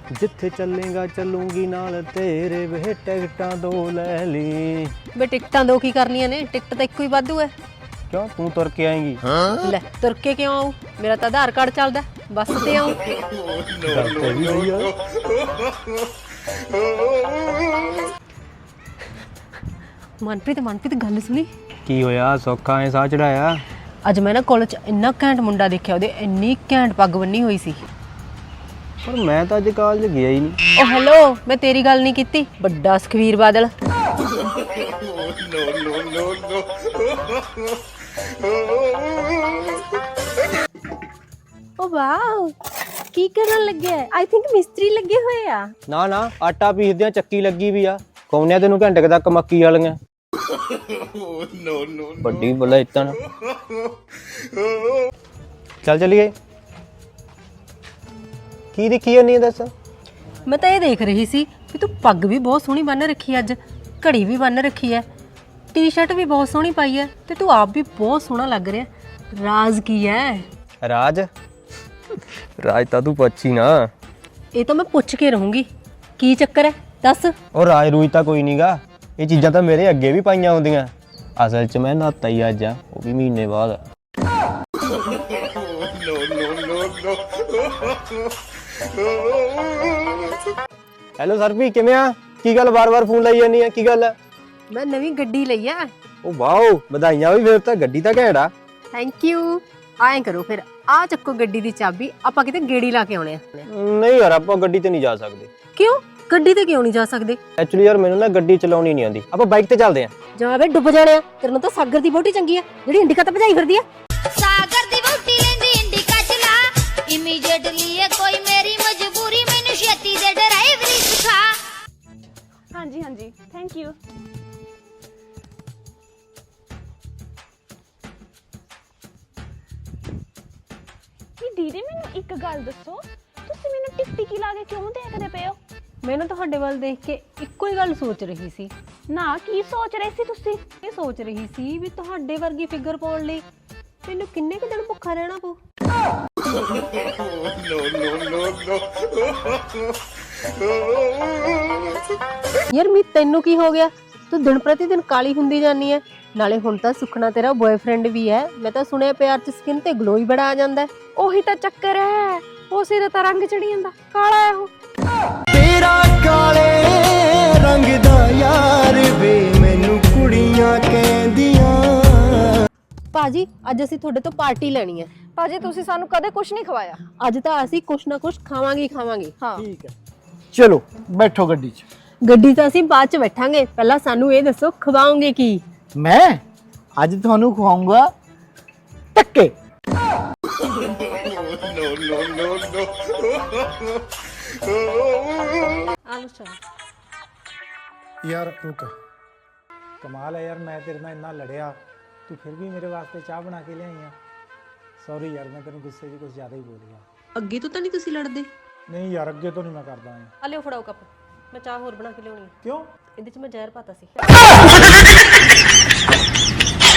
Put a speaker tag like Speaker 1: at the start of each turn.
Speaker 1: ਜਿੱਥੇ ਚੱਲੇਗਾ ਚੱਲੂਗੀ ਨਾਲ ਤੇਰੇ ਵੇ ਟਿਕਟਾਂ ਦੋ ਲੈ ਲਈ।
Speaker 2: ਬੇ ਟਿਕਟਾਂ ਦੋ ਕੀ ਕਰਨੀਆਂ ਨੇ? ਟਿਕਟ ਤਾਂ ਇੱਕੋ ਹੀ ਵਾਧੂ ਹੈ।
Speaker 1: ਕਿਉਂ ਤੂੰ ਤੁਰ ਕੇ ਆਏਂਗੀ?
Speaker 2: ਲੈ ਤੁਰ ਕੇ ਕਿਉਂ ਆਊ? ਮੇਰਾ ਤਾਂ ਆਧਾਰ ਕਾਰਡ ਚੱਲਦਾ, ਬੱਸ ਤੇ ਆਊ। ਮਨਪ੍ਰੀਤ ਗੱਲ ਸੁਣੀ।
Speaker 1: ਕੀ ਹੋਇਆ? ਸੌਖਾ ਐ ਸਾਹ ਚੜਾਇਆ?
Speaker 2: ਅੱਜ ਮੈਂ ਨਾ ਕਾਲਜ 'ਚ ਇੰਨਾ ਘੈਂਟ ਮੁੰਡਾ ਦੇਖਿਆ, ਉਹਦੇ ਇੰਨੀ ਘੈਂਟ ਪੱਗ ਬੰਨੀ ਹੋਈ ਸੀ।
Speaker 1: ਪਰ ਮੈਂ ਤਾਂ ਅੱਜ ਕਾਲਜ ਗਿਆ ਹੀ ਨਹੀਂ।
Speaker 2: ਓ ਹੈਲੋ, ਮੈਂ ਤੇਰੀ ਗੱਲ ਨਹੀਂ ਕੀਤੀ, ਵੱਡਾ ਸੁਖਵੀਰ ਬਾਦਲ। ਓ ਵਾਓ, ਕੀ ਕਰਨ ਲੱਗੇ? ਆਈ ਥਿੰਕ ਮਿਸਤਰੀ ਲੱਗੇ ਹੋਏ ਆ।
Speaker 1: ਨਾ ਨਾ, ਆਟਾ ਪੀਸਦਿਆਂ ਚੱਕੀ ਲੱਗੀ ਵੀ ਆ। ਕੌਣਿਆ ਤੈਨੂੰ ਘੰਟੇ ਤੱਕ ਮੱਕੀ ਵਾਲੀਆਂ। ਵੱਡੀ ਬੋਲਾ ਇਤਨ। ਚੱਲ ਚੱਲੀਏ। ਕੀ ਦੇਖੀ ਜਾਂਦੀ ਹੈ ਦੱਸ?
Speaker 2: ਮੈਂ ਤਾਂ ਇਹ ਦੇਖ ਰਹੀ ਸੀ ਵੀ ਤੂੰ ਪੱਗ ਵੀ ਬਹੁਤ ਸੋਹਣੀ ਬੰਨ ਰੱਖੀ ਹੈ, ਅੱਜ ਘੜੀ ਵੀ ਬੰਨ ਰੱਖੀ ਹੈ, ਟੀ-ਸ਼ਰਟ ਵੀ ਬਹੁਤ ਸੋਹਣੀ ਪਾਈ ਹੈ, ਤੇ ਤੂੰ ਆਪ ਵੀ ਬਹੁਤ ਸੋਹਣਾ ਲੱਗ ਰਿਹਾ। ਰਾਜ਼ ਕੀ ਹੈ?
Speaker 1: ਰਾਜ ਤਾਂ ਤੂੰ ਪੁੱਛੀ ਨਾ।
Speaker 2: ਇਹ ਤਾਂ ਮੈਂ ਪੁੱਛ ਕੇ ਰਹੂੰਗੀ, ਕੀ ਚੱਕਰ ਹੈ ਦੱਸ।
Speaker 1: ਉਹ ਰਾਜ ਰੂਜ ਤਾਂ ਕੋਈ ਨਹੀਂਗਾ, ਇਹ ਚੀਜ਼ਾਂ ਤਾਂ ਮੇਰੇ ਅੱਗੇ ਵੀ ਪਾਈਆਂ ਹੁੰਦੀਆਂ। ਅਸਲ 'ਚ ਮੈਂ ਨਹਾਤਾ ਹੀ ਅੱਜ ਆ, ਉਹ ਵੀ ਮਹੀਨੇ ਬਾਅਦ। ਹੈਲੋ ਸਰਪੀ, ਕਿਵੇਂ ਆ? ਕੀ ਗੱਲ ਵਾਰ-ਵਾਰ ਫੋਨ ਲਾਈ ਜਾਂਦੀ ਆ? ਕੀ ਗੱਲ ਹੈ?
Speaker 2: ਮੈਂ ਨਵੀਂ ਗੱਡੀ ਲਈ ਆ।
Speaker 1: ਉਹ ਵਾਓ, ਵਧਾਈਆਂ ਵੀ। ਫਿਰ ਤਾਂ ਗੱਡੀ ਤਾਂ ਘੈਂਟ ਆ।
Speaker 2: Thank you. ਆਏ ਕਰੋ ਫਿਰ, ਆ ਚੱਕੋ ਗੱਡੀ ਦੀ ਚਾਬੀ, ਆਪਾਂ ਕਿਤੇ ਗੇੜੀ ਲਾ ਕੇ ਆਉਣੇ ਆ।
Speaker 1: ਨਹੀਂ ਯਾਰ, ਆਪਾਂ ਗੱਡੀ ਤੇ ਨਹੀਂ ਜਾ ਸਕਦੇ।
Speaker 2: ਕਿਉਂ? ਗੱਡੀ ਤੇ ਕਿਉਂ ਨਹੀਂ ਜਾ ਸਕਦੇ?
Speaker 1: ਐਕਚੁਅਲੀ ਯਾਰ ਮੈਨੂੰ ਨਾ ਗੱਡੀ ਚਲਾਉਣੀ ਨਹੀਂ ਆਉਂਦੀ। ਆਪਾਂ ਬਾਈਕ ਤੇ ਚੱਲਦੇ ਆਂ।
Speaker 2: ਜਾ ਵੇ ਡੁੱਬ ਜਾਣੇ ਆ। ਤੇਰੇ ਨਾਲ ਤਾਂ ਸਾਗਰ ਦੀ ਵਹੁਟੀ ਚੰਗੀ ਆ, ਜਿਹੜੀ ਇੰਡੀਕਾ ਤੇ ਭਜਾਈ ਫਿਰਦੀ ਆ।
Speaker 3: ਸਾਗਰ ਦੀ ਵਹੁਟੀ ਲੈਂਦੀ ਇੰਡੀਕਾ ਚਲਾ, ਇਮੀਡੀਏਟਲੀ ਇਹ ਕੋਈ ਮੇਰੀ ਮਜਬੂਰੀ, ਮੈਨੂੰ ਛੇਤੀ ਦੇ ਡਰਾਈਵਰੀ ਸਿਖਾ।
Speaker 4: ਹਾਂਜੀ ਹਾਂਜੀ, ਥੈਂਕ ਯੂ। ਦੀਦੀ ਮੈਨੂੰ ਇੱਕ ਗੱਲ ਦੱਸੋ, ਤੁਸੀਂ ਮੈਨੂੰ ਟਿਕਟਿਕੀ ਲਾ ਕੇ ਕਿਉਂ ਦੇਖਦੇ ਪਏ ਹੋ?
Speaker 2: ਮੈਨੂੰ ਤੁਹਾਡੇ ਵੱਲ ਦੇਖ ਕੇ ਇੱਕੋ ਹੀ ਗੱਲ ਸੋਚ ਰਹੀ ਸੀ।
Speaker 4: ਨਾ, ਕੀ ਸੋਚ ਰਹੇ ਸੀ ਤੁਸੀਂ?
Speaker 2: ਇਹ ਸੋਚ ਰਹੀ ਸੀ ਵੀ ਤੁਹਾਡੇ ਵਰਗੀ ਫਿਗਰ ਪਾਉਣ ਲਈ ਮੈਨੂੰ ਕਿੰਨੇ ਕੁ ਦਿਨ ਭੁੱਖਾ ਰਹਿਣਾ ਪਊ। ਯਾਰ ਮੀ ਤੈਨੂੰ ਕੀ ਹੋ ਗਿਆ? ਤੂੰ ਦਿਨ ਪ੍ਰਤੀ ਦਿਨ ਕਾਲੀ ਹੁੰਦੀ ਜਾਨੀ ਹੈ। ਨਾਲੇ ਹੁਣ ਤਾਂ ਸੁਖਣਾ ਤੇਰਾ ਬॉयਫ੍ਰੈਂਡ ਵੀ ਹੈ। ਮੈਂ ਤਾਂ ਸੁਣਿਆ ਪਿਆਰ 'ਚ ਸਕਿਨ ਤੇ ਗਲੋ ਹੀ ਬੜਾ ਆ ਜਾਂਦਾ ਹੈ।
Speaker 4: ਉਹੀ ਤਾਂ ਚੱਕਰ ਹੈ, ਉਸੇ ਦਾ ਤਾਂ ਰੰਗ ਚੜੀ ਜਾਂਦਾ, ਕਾਲਾ ਹੈ ਉਹ।
Speaker 5: ਤੇਰਾ ਕਾਲੇ ਰੰਗ ਦਾ ਯਾਰ ਵੇ, ਮੈਨੂੰ ਕੁੜੀਆਂ ਕਹਿੰਦੀਆਂ।
Speaker 2: ਭਾਜੀ, ਅੱਜ ਅਸੀਂ ਤੁਹਾਡੇ ਤੋਂ ਪਾਰਟੀ ਲੈਣੀ ਹੈ।
Speaker 4: ਭਾਜੀ ਤੁਸੀਂ ਸਾਨੂੰ ਕਦੇ ਕੁਝ ਨਹੀਂ ਖਵਾਇਆ।
Speaker 2: ਅੱਜ ਤਾਂ ਅਸੀਂ ਕੁਛ ਨਾ ਕੁਛ ਖਾਵਾਂਗੇ ਹੀ ਖਾਵਾਂਗੇ।
Speaker 4: ਹਾਂ
Speaker 5: ਠੀਕ ਹੈ, ਚਲੋ ਬੈਠੋ ਗੱਡੀ 'ਚ।
Speaker 2: ਗੱਡੀ ਤਾਂ ਅਸੀਂ ਬਾਅਦ 'ਚ ਬੈਠਾਂਗੇ, ਪਹਿਲਾਂ ਸਾਨੂੰ ਇਹ ਦੱਸੋ ਖਵਾਓਗੇ ਕੀ?
Speaker 5: ਮੈਂ ਅੱਜ ਤੁਹਾਨੂੰ ਖਵਾਉਂਗਾ ਟੱਕੇ।
Speaker 6: यार रुक, कमाल है यार, मैं तेरे नाल इन्ना लड़िया, तू फिर भी मेरे वास्ते चाह बना के ले आई है। सॉरी यार, मैं तेरे गुस्से 'ਚ कुछ ज़्यादा ही बोल गया।
Speaker 2: ਅੱਗੇ ਤੋਂ ਤਾਂ ਨਹੀਂ ਤੁਸੀਂ ਲੜਦੇ?
Speaker 6: नहीं यार, अगे तो नहीं मैं करदा है।
Speaker 2: ਆ ਲਿਓ ਫੜਾਓ ਕੱਪ, ਮੈਂ ਚਾਹ ਹੋਰ ਬਣਾ ਕੇ ਲਿਆਉਣੀ ਹੈ।
Speaker 6: क्यों?
Speaker 2: ਇਹਦੇ 'ਚ ਮੈਂ ਜ਼ਹਿਰ ਪਾਤਾ ਸੀ।